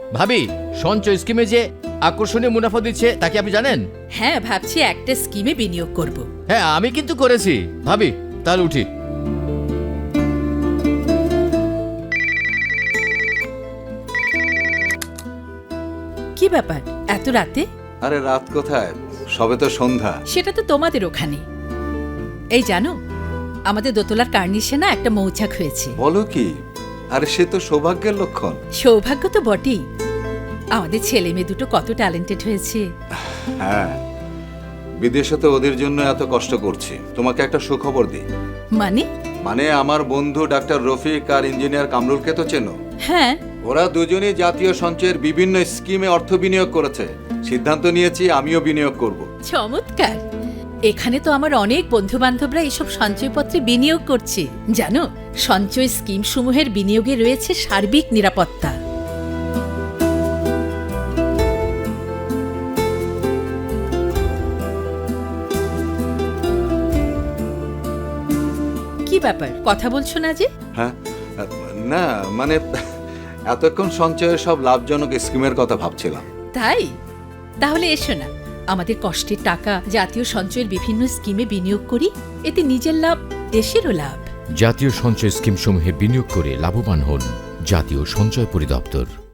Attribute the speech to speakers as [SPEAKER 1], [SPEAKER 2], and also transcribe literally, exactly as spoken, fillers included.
[SPEAKER 1] ভাবি, সঞ্চয় স্কিমে যে আকর্ষণীয় মুনাফা দিচ্ছে তা কি আপনি জানেন?
[SPEAKER 2] হ্যাঁ, ভাবছি একটা স্কিমে বিনিয়োগ করব।
[SPEAKER 1] হ্যাঁ, আমি কিন্তু করেছি। ভাবি, তাহলে উঠি।
[SPEAKER 2] কি ব্যাপার এত রাতে?
[SPEAKER 3] আরে রাত কোথায়, সবে তো সন্ধ্যা।
[SPEAKER 2] সেটা তো তোমাদের ওখানে। এই জানো, আমাদের দোতলার কার্নিশে না একটা মৌচাক হয়েছে।
[SPEAKER 3] বলো কি? আরে সে তো সৌভাগ্যের লক্ষণ।
[SPEAKER 2] সৌভাগ্য তো বটেই, আমাদের ছেলে মেয়ে দুটো কত ট্যালেন্টেড হয়েছে।
[SPEAKER 3] হ্যাঁ, বিদেশে তো ওদের জন্য এত কষ্ট করছি। তোমাকে একটা সুখবর দিই।
[SPEAKER 2] মানে?
[SPEAKER 3] মানে আমার বন্ধু ডাক্তার রফিক আর ইঞ্জিনিয়ার কামরুলকে তো চেনো?
[SPEAKER 2] হ্যাঁ।
[SPEAKER 3] ওরা দুজনেই জাতীয় সঞ্চয়ের বিভিন্ন স্কিমে অর্থ বিনিয়োগ করেছে। সিদ্ধান্ত নিয়েছি আমিও বিনিয়োগ করব।
[SPEAKER 2] চমৎকার। এখানে তো আমার অনেক বন্ধু বান্ধবরা এসব সঞ্চয়পত্রে বিনিয়োগ করছে। জানো, সঞ্চয় স্কিম সমূহের বিনিয়োগে রয়েছে সার্বিক নিরাপত্তা। কি ব্যাপার, কথা বলছো না যে?
[SPEAKER 3] হ্যাঁ, না মানে এতক্ষণ সঞ্চয়ের সব লাভজনক স্কিমের কথা ভাবছিলাম।
[SPEAKER 2] তাই? তাহলে এসো না, আমাদের কষ্টের টাকা জাতীয় সঞ্চয়ের বিভিন্ন স্কিমে বিনিয়োগ করি। এতে নিজের লাভ, দেশেরও লাভ।
[SPEAKER 4] জাতীয় সঞ্চয় স্কিমসমূহে বিনিয়োগ করে লাভবান হন। জাতীয় সঞ্চয় পরিদপ্তর।